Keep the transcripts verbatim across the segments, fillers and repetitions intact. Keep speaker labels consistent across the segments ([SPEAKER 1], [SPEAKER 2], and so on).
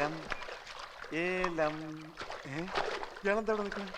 [SPEAKER 1] ഏലം ഏലം ഇയാളെന്താ ഇവിടെ നിൽക്കുന്നത്?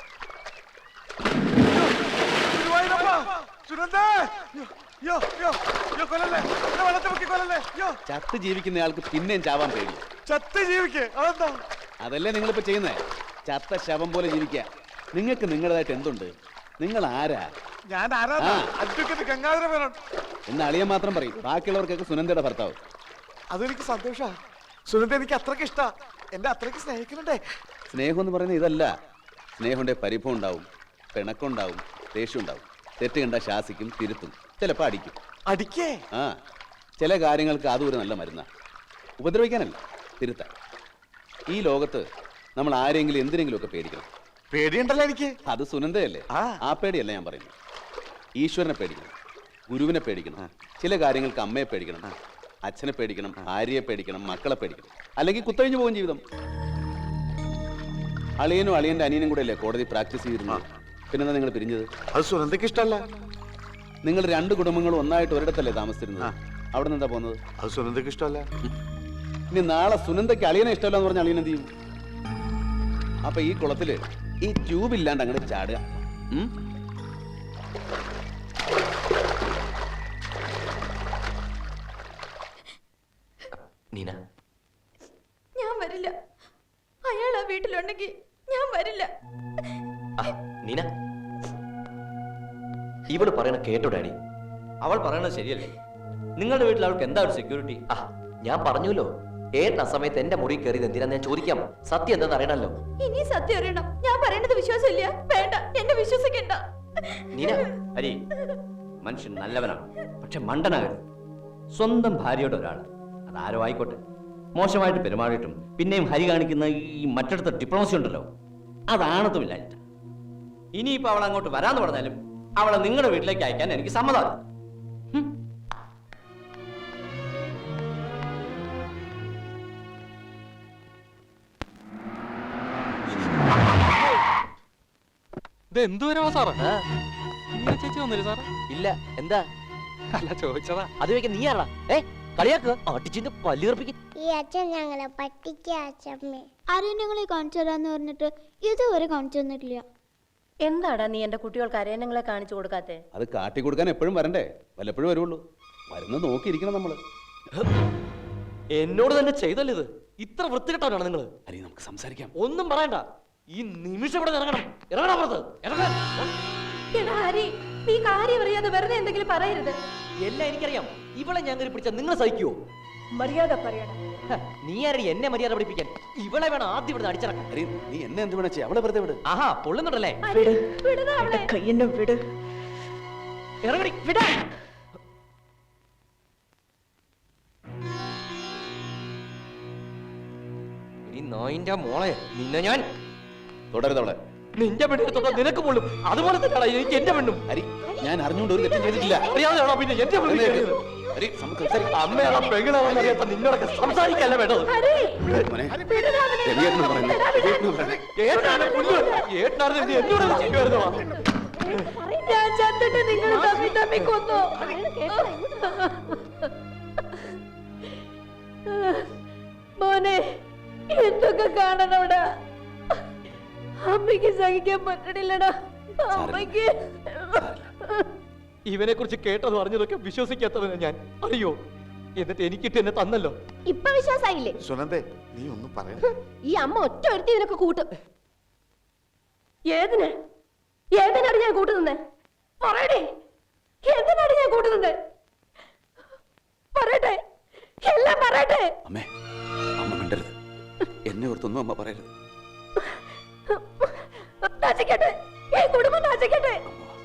[SPEAKER 2] ചത്ത് ജീവിക്കുന്നയാൾക്ക് പിന്നെയും ചാവാൻ പേടി.
[SPEAKER 1] ചത്ത് ജീവിക്കേ അതെന്താ?
[SPEAKER 2] അതല്ലേ നിങ്ങളിപ്പോ ചെയ്യുന്നേ, ചത്ത ശവം പോലെ ജീവിക്കുക. നിങ്ങൾക്ക് നിങ്ങളുടേതായിട്ട് എന്തുണ്ട്? നിങ്ങൾ ആരാ?
[SPEAKER 1] ഞാൻ ആരാ? അഡ്വക്കേറ്റ് ഗംഗാധര മേനോൻ
[SPEAKER 2] എന്ന് അളിയൻ മാത്രം പറയും, ബാക്കിയുള്ളവർക്കൊക്കെ സുനന്ദയുടെ ഭർത്താവ്.
[SPEAKER 1] അതെനിക്ക് സന്തോഷാ. സുനന്ദ എനിക്ക് അത്രയ്ക്ക് ഇഷ്ടാ. എന്നെ അത്രയ്ക്ക് സ്നേഹിക്കുന്നുണ്ടേ.
[SPEAKER 2] സ്നേഹം എന്ന് പറയുന്നത് ഇതല്ല. സ്നേഹമുണ്ടെ പരിഭവം ഉണ്ടാവും, പിണക്കുണ്ടാവും, ദേഷ്യം ഉണ്ടാവും. തെറ്റ് കണ്ട ശാസിക്കും, തിരുത്തും, ചിലപ്പോൾ അടിക്കും.
[SPEAKER 1] അടിക്കേ?
[SPEAKER 2] ആ, ചില കാര്യങ്ങൾക്ക് അതും ഒരു നല്ല മരുന്നാ. ഉപദ്രവിക്കാനല്ല, തിരുത്താൻ. ഈ ലോകത്ത് നമ്മൾ ആരെങ്കിലും എന്തിനെങ്കിലും ഒക്കെ പേടിക്കണം.
[SPEAKER 1] പേടിയുണ്ടല്ലോ എനിക്ക്.
[SPEAKER 2] അത് സുനന്ദയല്ലേ? ആ പേടിയല്ല ഞാൻ പറയുന്നത്. ഈശ്വരനെ പേടിക്കണം, ഗുരുവിനെ പേടിക്കണം, ചില കാര്യങ്ങൾക്ക് അമ്മയെ പേടിക്കണം, അച്ഛനെ പേടിക്കണം, ഭാര്യയെ പേടിക്കണം, മക്കളെ പേടിക്കണം. അല്ലെങ്കിൽ കുത്തഴിഞ്ഞു പോകും ജീവിതം. അളിയനും അളിയന്റെ അനിയനും കൂടെ അല്ലേ കോടതി പ്രാക്ടീസ് ചെയ്തിരുന്നത്? പിന്നെന്താ നിങ്ങൾ പിരിഞ്ഞത്?
[SPEAKER 1] അത് സുനന്ദയ്ക്ക് ഇഷ്ടമല്ല.
[SPEAKER 2] നിങ്ങൾ രണ്ട് കുടുംബങ്ങളും ഒന്നായിട്ട് ഒരിടത്തല്ലേ താമസിച്ചിരുന്നത്? അവിടെ നിന്ന് എന്താ പോകുന്നത്?
[SPEAKER 1] അത് സുനന്ദയ്ക്ക് ഇഷ്ടമല്ല.
[SPEAKER 2] ഇനി നാളെ സുനന്ദയ്ക്ക് അളിയനെ ഇഷ്ടമല്ല എന്ന് പറഞ്ഞാൽ അളിയൻ എന്ത് ചെയ്യും? അപ്പൊ ഈ കുളത്തില് ഈ ട്യൂബ് ഇല്ലാണ്ട് അങ്ങോട്ട് ചാടുക.
[SPEAKER 3] നീന,
[SPEAKER 4] ഞാൻ വരില്ല. അയാൾ ആ വീട്ടിലുണ്ടെങ്കിൽ ഞാൻ വരില്ല.
[SPEAKER 3] നീന, ഇവള് പറയണ കേട്ടോ ഡാഡി? അവൾ പറയണത് ശരിയല്ലേ? നിങ്ങളുടെ വീട്ടിൽ അവൾക്ക് എന്താ ഒരു സെക്യൂരിറ്റി? ആ, ഞാൻ പറഞ്ഞല്ലോ, ഏട്ടൻ ആ സമയത്ത് എന്റെ മുറി കയറിയത് എന്തിനാന്ന് ഞാൻ ചോദിക്കാം. സത്യം എന്താന്ന് അറിയണല്ലോ.
[SPEAKER 4] ഇനി സത്യം അറിയണം. ഞാൻ പറയുന്നത് വിശ്വാസമില്ല. വേണ്ട, എന്നെ വിശ്വസിക്കണ്ട.
[SPEAKER 3] നീന, ഹരി മനുഷ്യൻ നല്ലവനാണ്, പക്ഷെ മണ്ടനാകരുത്. സ്വന്തം ഭാര്യയുടെ ഒരാൾ, അതാരോ ആയിക്കോട്ടെ, മോശമായിട്ട് പെരുമാറിയിട്ടും പിന്നെയും ഹരി കാണിക്കുന്ന ഈ മറ്റടുത്ത ഡിപ്ലോമസി ഉണ്ടല്ലോ, അതാണതുമില്ല. ഇനിയിപ്പോ അവൾ അങ്ങോട്ട് വരാന്ന് പറഞ്ഞാലും അവളെ നിങ്ങളുടെ വീട്ടിലേക്ക് അയക്കാൻ എനിക്ക് സമ്മതമാണ്.
[SPEAKER 5] എന്തുവരാ സാറേ? ചേച്ചി വന്നില്ല സാറേ?
[SPEAKER 3] ഇല്ല. എന്താ?
[SPEAKER 5] അല്ല, ചോദിച്ചതാ.
[SPEAKER 3] അത് ചോദിക്കാൻ നീ ആരാ? ഏ കളിയാക്കുക, അടിച്ചിന്റെ പല്ലി കറുപ്പിക്കും.
[SPEAKER 6] ഈ അച്ഛൻ ഞങ്ങളെ പറ്റിക്കമ്മേ.
[SPEAKER 4] ആരെയും ഞങ്ങളെ കാണിച്ചു തരാന്ന് പറഞ്ഞിട്ട് ഇതുവരെ കാണിച്ചു തന്നിട്ടില്ല.
[SPEAKER 7] എന്താടാ നീ എന്റെ കുട്ടികൾക്ക് അരയന്നങ്ങളെ കാണിച്ചു കൊടുക്കാത്തെ?
[SPEAKER 2] അത് കാട്ടി കൊടുക്കാൻ എപ്പോഴും വരണ്ടേ? വല്ലപ്പോഴും വരുള്ളൂ. വരുന്നത് നോക്കിയിരിക്കണം നമ്മള്.
[SPEAKER 3] എന്നോട് തന്നെ ചെയ്തല്ലോ ഇത്. ഇത്ര വൃത്തികെട്ടവരാണ് നിങ്ങള്.
[SPEAKER 2] അരി, നമുക്ക് സംസാരിക്കാം.
[SPEAKER 3] ഒന്നും പറയണ്ട. ഈ നിമിഷം ഇവിടെ ഇറങ്ങണം. ഇറങ്ങണം പുറത്ത്.
[SPEAKER 4] ഹരി, നീ കാര്യം അറിയാതെ വെറുതെ എന്തെങ്കിലും പറയരുത്.
[SPEAKER 3] എല്ലാം എനിക്കറിയാം. ഇവളെ ഞാൻ കയറി പിടിച്ചാൽ നിങ്ങൾ സഹിക്കുവോ?
[SPEAKER 7] മര്യാദ പറയണം.
[SPEAKER 3] നീ ആരടി എന്നെ മര്യാദ പഠിപ്പിക്കാൻ? ഇവളെ വേണം ആദ്യം ഇവിടെ അടിച്ചിറക്കാൻ.
[SPEAKER 2] നീ എന്നെ എന്ത് വേണേ അവളെ വെറുതെ വിട്.
[SPEAKER 3] ആഹാ, പൊള്ളുന്നുണ്ടല്ലേ?
[SPEAKER 7] കയ്യെന്നെ വിട്.
[SPEAKER 3] ഇറങ്ങടി, വിടാ. ഈ നായിന്റെ മോളെ നിന്നെ ഞാൻ
[SPEAKER 2] തുടരുതവളെ.
[SPEAKER 3] നിന്റെ പെണ്ണിനെ തൊട്ടാ നിനക്ക് പൊള്ളും. അതുപോലെ തന്നെയാണ് എനിക്ക് എന്റെ പെണ്ണും.
[SPEAKER 2] ഹരി, ഞാൻ അറിഞ്ഞുകൊണ്ട് ഒരു തെറ്റും ചെയ്തിട്ടില്ല.
[SPEAKER 3] അറിയാതെയാണോ പിന്നെ എന്റെ അമ്മയാണോ പെങ്ങളാണെന്ന് അറിയാത്ത നിന്നോടൊക്കെ സംസാരിക്കല്ല വേണ്ടത്. എന്നോട് ചെയ്യുമായിരുന്നോ?
[SPEAKER 4] ഞാൻ ചത്തിട്ട് നിങ്ങൾ തമ്മിൽ തമ്മിൽ കൊന്നു. മോനെ, എന്തൊക്കെ കാണണോടാ? അമ്മയ്ക്ക് സഹിക്കാൻ പറ്റണില്ലടാ. അമ്മയ്ക്ക്
[SPEAKER 3] ഇവനെ കുറിച്ച് കേട്ടത് അറിഞ്ഞതൊക്കെ വിശ്വസിക്കാത്തവനാ ഞാൻ, അറിയോ? എന്നിട്ട് എനിക്കിട്ട് എന്നെ തന്നല്ലോ.
[SPEAKER 7] ഇപ്പൊ വിശ്വാസായില്ലേ?
[SPEAKER 1] സുനന്ദേ, നീ ഒന്നും പറയണ്ട.
[SPEAKER 7] ഈ അമ്മ ഒറ്റ ഒരുത്തി ഇതിനൊക്കെ കൂട്ടും. ഏതിന് ഏതിനാണ് ഞാൻ കൂട്ടുനിന്നേ? പറയടേ, എന്തിനാണ് ഞാൻ കൂട്ടുനിന്നേ? പറയട്ടെ, എല്ലാം പറയട്ടെ.
[SPEAKER 2] അമ്മേ, അമ്മ മിണ്ടരുത്. എന്നെ ഓർത്തൊന്നും അമ്മ പറയരുത്.
[SPEAKER 7] നാശിക്കട്ടെ, ഈ കുടുംബം നാശിക്കട്ടെ.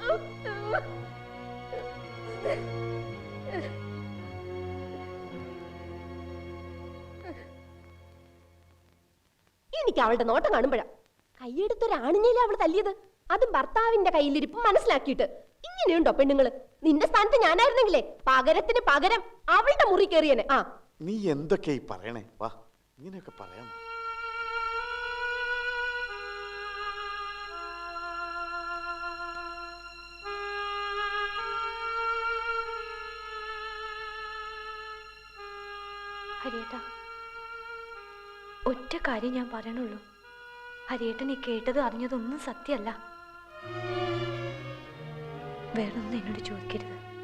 [SPEAKER 7] എനിക്ക് അവളുടെ നോട്ടം കാണുമ്പോഴാ കൈയെടുത്തൊരാണിഞ്ഞില്ല അവള് തല്ലിയത്. അതും ഭർത്താവിന്റെ കയ്യിലിരിപ്പ് മനസ്സിലാക്കിയിട്ട്. ഇങ്ങനെയുണ്ടോ പെണ്ണുങ്ങള്? നിന്റെ സ്ഥാനത്ത് ഞാനായിരുന്നെങ്കിലേ പകരത്തിന് പകരം അവളുടെ മുറി കയറിയനെ. ആ,
[SPEAKER 1] നീ എന്തൊക്കെയായി പറയണേ? വാ, ഇങ്ങനെയൊക്കെ പറയാം.
[SPEAKER 7] ഹരിയേട്ടാ,
[SPEAKER 4] ഒറ്റ കാര്യം ഞാൻ പറയണുള്ളൂ. ഹരിയേട്ടൻ ഈ കേട്ടത് അറിഞ്ഞതൊന്നും സത്യമല്ല. വേറൊന്നും എന്നോട് ചോദിക്കരുത്.